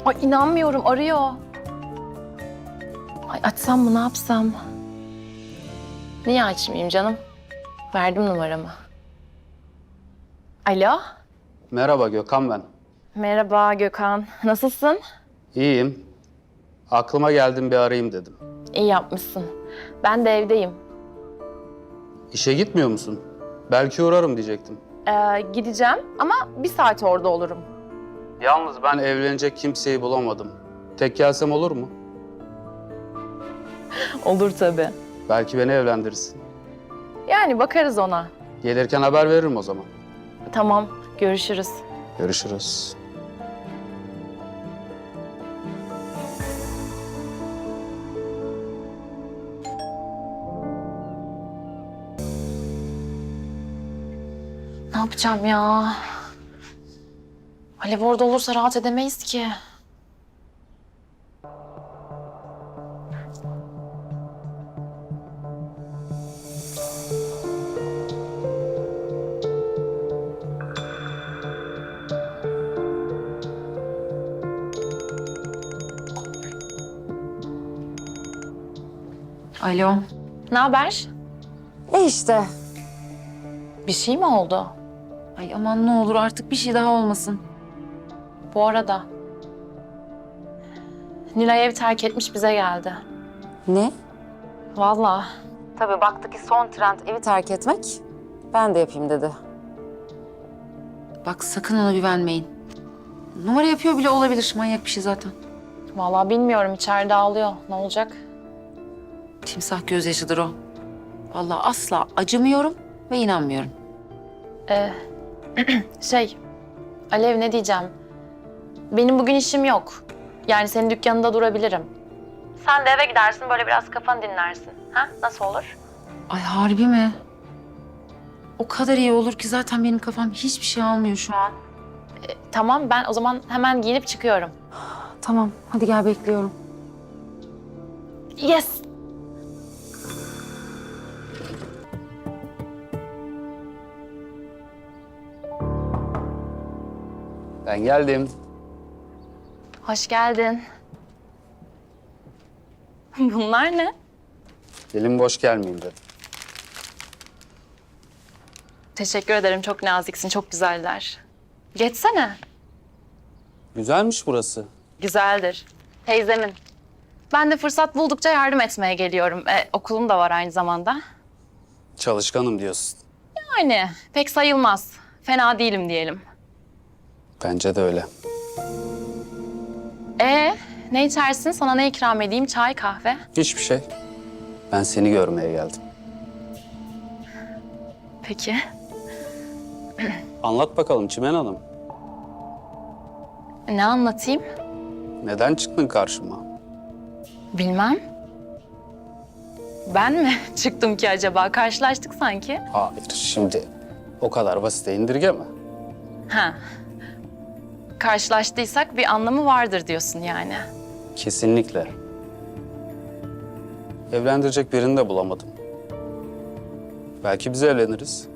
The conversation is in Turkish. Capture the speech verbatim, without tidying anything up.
Ay inanmıyorum, arıyor. Ay açsam mı, ne yapsam? Niye açmayayım canım? Verdim numaramı. Alo. Merhaba Gökhan ben. Merhaba Gökhan. Nasılsın? İyiyim. Aklıma geldim bir arayayım dedim. İyi yapmışsın. Ben de evdeyim. İşe gitmiyor musun? Belki uğrarım diyecektim. Ee, gideceğim ama bir saat orada olurum. Yalnız ben evlenecek kimseyi bulamadım. Tek gelsem olur mu? Olur tabii. Belki beni evlendirirsin. Yani bakarız ona. Gelirken haber veririm o zaman. Tamam, görüşürüz. Görüşürüz. Ne yapacağım ya? Alev orada olursa rahat edemeyiz ki. Alo. Ne haber? E işte. Bir şey mi oldu? Ay aman ne olur artık bir şey daha olmasın. Bu arada Nilay ev terk etmiş, bize geldi. Ne? Vallahi. Tabii baktı ki son trend evi terk etmek. Ben de yapayım dedi. Bak sakın ona güvenmeyin. Numara yapıyor bile olabilir. Manyak bir şey zaten. Vallahi bilmiyorum, içeride ağlıyor. Ne olacak? Timsah gözyaşıdır o. Vallahi asla acımıyorum ve inanmıyorum. Ee, şey, Alev ne diyeceğim? Benim bugün işim yok. Yani senin dükkanında durabilirim. Sen de eve gidersin, böyle biraz kafanı dinlersin. Ha? Nasıl olur? Ay harbi mi? O kadar iyi olur ki zaten benim kafam hiçbir şey almıyor şu an. Ee, tamam, ben o zaman hemen giyinip çıkıyorum. Tamam hadi gel bekliyorum. Yes! Ben geldim. Hoş geldin. Bunlar ne? Elim boş gelmeyeyim dedim. Teşekkür ederim, çok naziksin, çok güzeller. Geçsene. Güzelmiş burası. Güzeldir. Teyzemin. Ben de fırsat buldukça yardım etmeye geliyorum. E, okulum da var aynı zamanda. Çalışkanım diyorsun. Yani pek sayılmaz. Fena değilim diyelim. Bence de öyle. E ne içersin? Sana ne ikram edeyim? Çay, kahve? Hiçbir şey. Ben seni görmeye geldim. Peki. Anlat bakalım Çimen Hanım. Ne anlatayım? Neden çıktın karşıma? Bilmem. Ben mi çıktım ki acaba? Karşılaştık sanki. Hayır, şimdi o kadar basite indirgeme. Ha. Karşılaştıysak bir anlamı vardır diyorsun yani. Kesinlikle. Evlendirecek birini de bulamadım. Belki biz evleniriz.